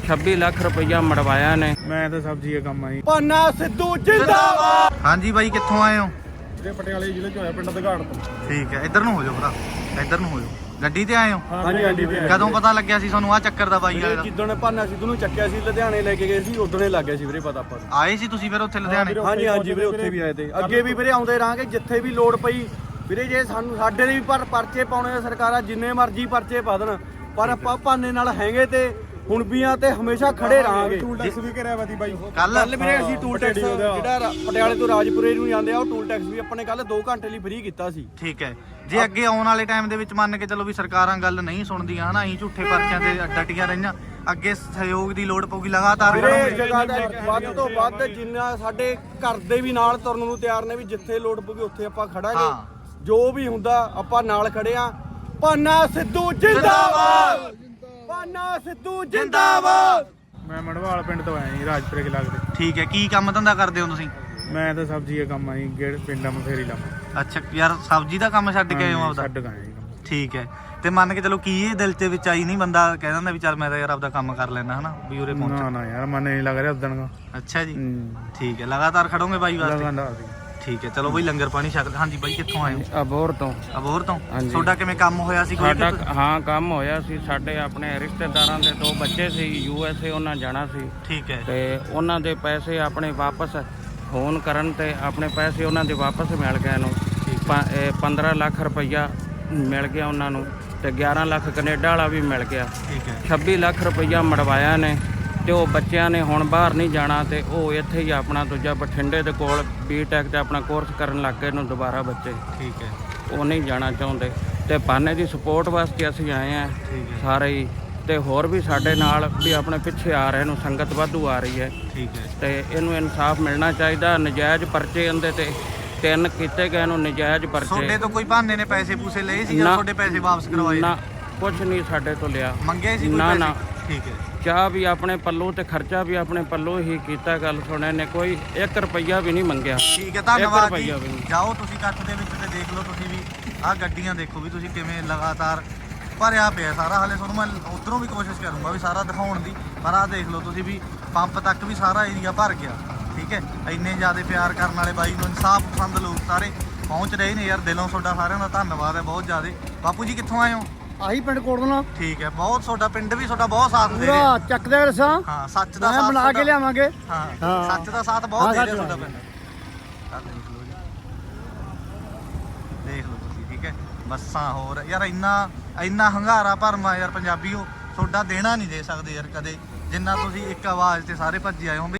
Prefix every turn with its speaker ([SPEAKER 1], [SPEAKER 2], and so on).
[SPEAKER 1] 26 ਲੱਖ ਰੁਪਈਆ ਮੜਵਾਇਆ ਨੇ।
[SPEAKER 2] ਮੈਂ ਤਾਂ ਸਬਜ਼ੀ ਦਾ ਕੰਮ ਆਈ।
[SPEAKER 3] ਭਾਨਾ ਸਿੱਧੂ ਜਿੰਦਾਬਾਦ।
[SPEAKER 4] ਹਾਂਜੀ ਬਾਈ ਕਿੱਥੋਂ ਆਏ ਹੋ?
[SPEAKER 2] ਇਹ ਪਟਿਆਲੇ ਜ਼ਿਲ੍ਹੇ ਚ ਹੋਇਆ, ਪਿੰਡ ਦਗਾੜ ਤੋਂ।
[SPEAKER 4] ਠੀਕ ਹੈ, ਇੱਧਰ ਨੂੰ ਹੋ ਜਾਓ ਭਰਾ, ਇੱਧਰ ਨੂੰ ਹੋ ਜਾਓ। ਗੱਡੀ ਤੇ ਆਏ ਹੋ?
[SPEAKER 3] ਹਾਂਜੀ ਹਾਂਜੀ।
[SPEAKER 4] ਕਦੋਂ ਪਤਾ ਲੱਗਿਆ ਸੀ ਤੁਹਾਨੂੰ ਆ ਚੱਕਰ ਦਾ ਬਾਈ ਵਾਲੇ ਦਾ?
[SPEAKER 3] ਜਿੱਦੋਂ ਨੇ ਭਾਨਾ ਸਿੱਧੂ ਨੂੰ ਚੱਕਿਆ ਸੀ ਲੁਧਿਆਣੇ ਲੈ ਕੇ ਗਏ ਸੀ ਉਦੋਂ ਹੀ ਲੱਗ ਗਿਆ ਸੀ ਵੀਰੇ ਪਤਾ ਆਪਾਂ ਨੂੰ।
[SPEAKER 4] ਆਏ ਸੀ ਤੁਸੀਂ ਫਿਰ ਉੱਥੇ ਲੁਧਿਆਣੇ?
[SPEAKER 3] ਹਾਂਜੀ ਹਾਂਜੀ ਵੀਰੇ ਉੱਥੇ ਵੀ ਆਏ ਤੇ ਅੱਗੇ ਵੀ ਵੀਰੇ ਆਉਂਦੇ ਰਹਾਂਗੇ ਜਿੱਥੇ ਵੀ ਲੋੜ ਪਈ ਵੀਰੇ। ਜੇ ਸਾਨੂੰ ਸਾਡੇ ਲਈ ਵੀ ਪਰਚੇ ਪਾਉਣੇ ਆ ਸਰਕਾਰਾਂ ਜਿੰਨੇ ਮਰਜ਼ੀ ਪਰਚੇ ਪਾ ਦੇਣ, ਪਰ ਆਪਾਂ ਭਾਨੇ ਨਾਲ ਹੈਗੇ ਤੇ ਹੁਣ ਵੀ ਆ ਤੇ ਹਮੇਸ਼ਾ ਖੜੇ ਰਹਾਂਗੇ।
[SPEAKER 2] ਟੂਲ ਟੈਕਸ ਵੀ ਕਰਿਆ ਵਾ ਦੀ ਬਾਈ
[SPEAKER 3] ਕੱਲ ਵੀਰੇ ਅਸੀਂ ਟੂਲ ਟੈਕਸ ਜਿਹੜਾ ਪਟਿਆਲੇ ਤੋਂ ਰਾਜਪੁਰੇ ਨੂੰ ਜਾਂਦੇ ਆ ਉਹ ਟੂਲ ਟੈਕਸ ਵੀ ਆਪਣੇ ਕੱਲ 2 ਘੰਟੇ ਲਈ ਫ੍ਰੀ ਕੀਤਾ ਸੀ।
[SPEAKER 4] ਠੀਕ ਹੈ, ਜੇ ਅੱਗੇ ਆਉਣ ਵਾਲੇ ਟਾਈਮ ਦੇ ਵਿੱਚ ਮੰਨ ਕੇ ਚੱਲੋ ਵੀ ਸਰਕਾਰਾਂ ਗੱਲ ਨਹੀਂ ਸੁਣਦੀਆਂ ਹਨਾ, ਅਸੀਂ ਝੂਠੇ ਪਰਚਿਆਂ ਤੇ ਡਟੀਆਂ ਰਹੀਆਂ, ਅੱਗੇ ਸਹਿਯੋਗ ਦੀ ਲੋੜ ਪਊਗੀ ਲਗਾਤਾਰ
[SPEAKER 3] ਵੀਰੇ ਜਗ੍ਹਾ ਦਾ ਵੱਧ ਤੋਂ ਵੱਧ ਜਿੰਨਾ ਸਾਡੇ ਘਰ ਦੇ ਵੀ ਨਾਲ ਤੁਰਨ ਨੂੰ ਤਿਆਰ ਨੇ ਵੀ ਜਿੱਥੇ ਲੋੜ ਪਊਗੀ ਉੱਥੇ ਆਪਾਂ ਖੜਾਂਗੇ। ਜੋ ਵੀ ਹੁੰਦਾ ਆਪਾਂ ਨਾਲ ਖੜੇ ਆ। ਭਾਨਾ ਸਿੱਧੂ ਜਿੰਦਾਬਾਦ, ਭਾਨਾ ਸਿੱਧੂ ਜਿੰਦਾਬਾਦ।
[SPEAKER 2] ਮੈਂ ਮੜਵਾਲ ਪਿੰਡ ਤੋਂ ਆਇਆ ਜੀ, ਰਾਜਪੁਰੇ ਦੇ ਲਾਗੇ।
[SPEAKER 4] ਠੀਕ ਹੈ, ਕੀ ਕੰਮ ਧੰਦਾ ਕਰਦੇ ਹੋ ਤੁਸੀਂ?
[SPEAKER 2] ਮੈਂ ਤਾਂ ਸਬਜ਼ੀ ਦਾ ਕੰਮ ਆਈ, ਗੇੜ ਪਿੰਡਾਂ ਮਫੇਰੀ ਲਾਵਾਂ।
[SPEAKER 4] ਅੱਛਾ ਯਾਰ, ਸਬਜ਼ੀ ਦਾ ਕੰਮ ਛੱਡ ਕੇ ਆਏ ਹੋ ਆਪਦਾ?
[SPEAKER 2] ਛੱਡ ਗਏ ਜੀ ਕੰਮ।
[SPEAKER 4] ਠੀਕ ਹੈ, ਤੇ ਮੰਨ ਕੇ ਚਲੋ ਕੀ ਇਹ ਦਿਲ ਦੇ ਵਿੱਚ ਆਈ ਨਹੀਂ ਬੰਦਾ ਕਹਿ ਦਿੰਦਾ ਵੀ ਚੱਲ ਮੈਂ ਤਾਂ ਯਾਰ ਆਪਦਾ ਕੰਮ ਕਰ ਲੈਣਾ ਹਨਾ, ਵੀ ਉਰੇ ਪਹੁੰਚ?
[SPEAKER 2] ਨਾ ਯਾਰ ਮਨ ਨਹੀਂ ਲੱਗ ਰਿਹਾ ਉਦਣ ਦਾ।
[SPEAKER 4] ਅੱਛਾ ਜੀ, ਠੀਕ ਹੈ, ਲਗਾਤਾਰ ਖੜੋਗੇ ਬਾਈ ਵਾਸਤੇ?
[SPEAKER 2] ਲਗਾਤਾਰ।
[SPEAKER 4] ਠੀਕ ਹੈ, ਚਲੋ ਬਈ ਲੰਗਰ ਪਾਣੀ ਛਕ। ਹਾਂਜੀ ਬਾਈ ਕਿੱਥੋਂ ਆਏ ਹੋ?
[SPEAKER 1] ਅਬੋਹਰ ਤੋਂ।
[SPEAKER 4] ਅਬੋਹਰ ਤੋਂ?
[SPEAKER 1] ਹਾਂਜੀ।
[SPEAKER 4] ਤੁਹਾਡਾ ਕਿਵੇਂ ਕੰਮ ਹੋਇਆ ਸੀ ਕੋਈ?
[SPEAKER 1] ਸਾਡਾ ਹਾਂ ਕੰਮ ਹੋਇਆ ਸੀ, ਸਾਡੇ ਆਪਣੇ ਰਿਸ਼ਤੇਦਾਰਾਂ ਦੇ 2 ਬੱਚੇ ਸੀ USA, ਉਹਨਾਂ ਜਾਣਾ ਸੀ।
[SPEAKER 4] ਠੀਕ ਹੈ,
[SPEAKER 1] ਤੇ ਉਹਨਾਂ ਦੇ ਪੈਸੇ ਆਪਣੇ ਵਾਪਸ ਫੋਨ ਕਰਨ ਤੇ ਆਪਣੇ ਪੈਸੇ ਉਹਨਾਂ ਦੇ ਵਾਪਸ ਮਿਲ ਗਏ ਨੂੰ। 15 ਲੱਖ ਰੁਪਈਆ ਮਿਲ ਗਿਆ ਉਹਨਾਂ ਨੂੰ ਤੇ 11 ਲੱਖ ਕੈਨੇਡਾ ਵਾਲਾ ਵੀ ਮਿਲ ਗਿਆ।
[SPEAKER 4] ਠੀਕ ਹੈ,
[SPEAKER 1] 26 ਲੱਖ ਰੁਪਈਆ ਮੜਵਾਇਆ ਨੇ ਤੇ ਉਹ ਬੱਚਿਆਂ ਨੇ ਹੁਣ ਬਾਹਰ ਨਹੀਂ ਜਾਣਾ ਤੇ ਉਹ ਇੱਥੇ ਹੀ ਆਪਣਾ ਦੂਜਾ ਬਠਿੰਡੇ ਦੇ ਕੋਲ BTech ਤੇ ਆਪਣਾ ਕੋਰਸ ਕਰਨ ਲੱਗ ਗਏ ਨੂੰ ਦੁਬਾਰਾ ਬੱਚੇ।
[SPEAKER 4] ਠੀਕ ਹੈ,
[SPEAKER 1] ਉਹ ਨਹੀਂ ਜਾਣਾ ਚਾਹੁੰਦੇ ਤੇ ਭਾਨੇ ਦੀ ਸਪੋਰਟ ਵਾਸਤੇ ਅਸੀਂ ਆਏ ਆ ਸਾਰੇ ਹੀ, ਤੇ ਹੋਰ ਵੀ ਸਾਡੇ ਨਾਲ ਵੀ ਆਪਣੇ ਪਿੱਛੇ ਆ ਰਹੇ ਨੂੰ ਸੰਗਤ ਵਾਧੂ ਆ ਰਹੀ ਹੈ।
[SPEAKER 4] ਠੀਕ ਹੈ,
[SPEAKER 1] ਤੇ ਇਹਨੂੰ ਇਨਸਾਫ ਮਿਲਣਾ ਚਾਹੀਦਾ। ਨਜਾਇਜ਼ ਪਰਚੇ ਇਹਦੇ ਤੇ 3 ਕੀਤੇ ਗਏ ਨੂੰ, ਨਜਾਇਜ਼ ਪਰਚੇ।
[SPEAKER 4] ਤੁਹਾਡੇ ਤੋਂ ਕੋਈ ਬਹਾਨੇ ਨੇ ਪੈਸੇ ਪੂਸੇ ਲਏ ਸੀ ਜਾਂ ਤੁਹਾਡੇ ਪੈਸੇ ਵਾਪਸ ਕਰਵਾਏ?
[SPEAKER 1] ਨਾ, ਕੁਛ ਨਹੀਂ ਸਾਡੇ ਤੋਂ ਲਿਆ।
[SPEAKER 4] ਮੰਗੇ ਸੀ ਕੋਈ
[SPEAKER 1] ਨਾ
[SPEAKER 4] ਪੈਸੇ?
[SPEAKER 1] ਨਾ,
[SPEAKER 4] ਠੀਕ ਹੈ,
[SPEAKER 1] ਚਾਹ ਵੀ ਆਪਣੇ ਪੱਲੋਂ ਤੇ ਖਰਚਾ ਵੀ ਆਪਣੇ ਪੱਲੋਂ ਹੀ ਕੀਤਾ। ਗੱਲ ਸੁਣਿਆ ਨੇ ਕੋਈ 1 ਰੁਪਈਆ ਵੀ ਨਹੀਂ ਮੰਗਿਆ।
[SPEAKER 4] ਠੀਕ ਹੈ, ਧੰਨਵਾਦ ਜੀ।
[SPEAKER 1] ਰੁਪਈਆ ਵੀ ਨਹੀਂ।
[SPEAKER 4] ਜਾਓ ਤੁਸੀਂ ਕੱਟ ਦੇ ਵਿੱਚ ਤੇ ਦੇਖ ਲਓ ਤੁਸੀਂ ਵੀ ਆਹ ਗੱਡੀਆਂ ਦੇਖੋ ਵੀ ਤੁਸੀਂ ਕਿਵੇਂ ਲਗਾਤਾਰ ਭਰਿਆ ਪਿਆ ਸਾਰਾ। ਹਾਲੇ ਤੁਹਾਨੂੰ ਮੈਂ ਉਧਰੋਂ ਵੀ ਕੋਸ਼ਿਸ਼ ਕਰੂੰਗਾ ਵੀ ਸਾਰਾ ਦਿਖਾਉਣ ਦੀ, ਪਰ ਆਹ ਦੇਖ ਲਓ ਤੁਸੀਂ ਵੀ ਪੰਪ ਤੱਕ ਵੀ ਸਾਰਾ ਏਰੀਆ ਭਰ ਗਿਆ। ਠੀਕ ਹੈ, ਇੰਨੇ ਜ਼ਿਆਦਾ ਪਿਆਰ ਕਰਨ ਵਾਲੇ ਬਾਈ ਨੂੰ, ਇਨਸਾਫ ਪਸੰਦ ਲੋਕ ਸਾਰੇ ਪਹੁੰਚ ਰਹੇ ਨੇ ਯਾਰ। ਦਿਲੋਂ ਤੁਹਾਡਾ ਸਾਰਿਆਂ ਦਾ ਧੰਨਵਾਦ ਹੈ ਬਹੁਤ ਜ਼ਿਆਦਾ। ਬਾਪੂ ਜੀ ਕਿੱਥੋਂ ਆਏ ਹੋ?
[SPEAKER 3] ਆਹੀ ਪਿੰਡ ਕੋੜਨਾ।
[SPEAKER 4] ਠੀਕ ਹੈ, ਬਹੁਤ ਤੁਹਾਡਾ ਪਿੰਡ ਵੀ ਤੁਹਾਡਾ ਬਹੁਤ ਸਾਥ ਦੇ ਰਿਹਾ।
[SPEAKER 3] ਪੂਰਾ ਚੱਕਦੇ ਰਸਾਂ।
[SPEAKER 4] ਹਾਂ, ਸੱਚ ਦਾ
[SPEAKER 3] ਮੈਂ
[SPEAKER 4] ਸਾਥ
[SPEAKER 3] ਬਣਾ ਕੇ ਲਿਆਵਾਂਗੇ।
[SPEAKER 4] ਹਾਂ,
[SPEAKER 3] ਹਾਂ।
[SPEAKER 4] ਸੱਚ ਦਾ ਸਾਥ ਬਹੁਤ ਦੇ ਰਿਹਾ ਤੁਹਾਡਾ ਪਿੰਡ। ਦੇਖ ਲਓ ਤੁਸੀਂ, ਠੀਕ ਹੈ, ਬੱਸਾਂ ਹੋਰ ਯਾਰ ਇੰਨਾ ਹੰਗਾਰਾ ਭਰਮਾ ਯਾਰ ਪੰਜਾਬੀਓ ਤੁਹਾਡਾ ਦੇਣਾ ਨਹੀਂ ਦੇ ਸਕਦੇ ਯਾਰ ਕਦੇ, ਜਿੰਨਾ ਤੁਸੀਂ ਇੱਕ ਆਵਾਜ਼ ਤੇ ਸਾਰੇ ਭੱਜੇ ਆਏ ਹੋ।